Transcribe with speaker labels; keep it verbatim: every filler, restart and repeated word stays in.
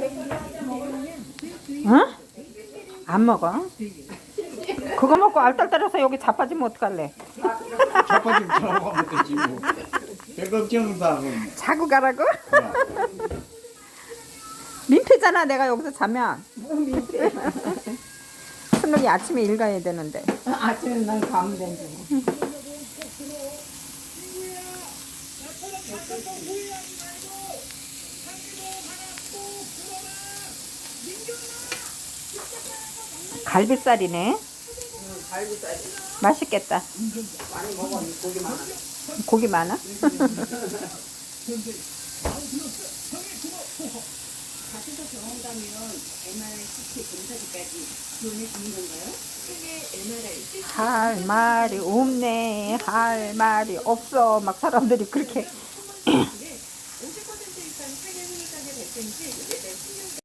Speaker 1: 응? 안 먹어? 그거 먹고 알딸딸해서 여기 자빠지면 어떡할래?
Speaker 2: 자빠지면 저하고 하면 되지 뭐. 별 걱정도 하고.
Speaker 1: 자고 가라고?
Speaker 2: 야,
Speaker 1: 민폐잖아 내가 여기서 자면. 순옥이 아침에 일 가야 되는데.
Speaker 3: 아침에 난 가면 되지.
Speaker 1: 갈비살이네.
Speaker 3: 갈비살이
Speaker 1: 맛있겠다.
Speaker 3: 많이 먹어. 고기 많아.
Speaker 1: 고기 많아?
Speaker 4: 가셔서 병원 가면 엠알아이, 씨티 검사기까지 지원해 주는 건가요? 세계 엠알아이,
Speaker 1: 할 말이 없네. 할 말이 없어. 막 사람들이 그렇게
Speaker 4: 오십 퍼센트 이상 상해 후유장애 발생 시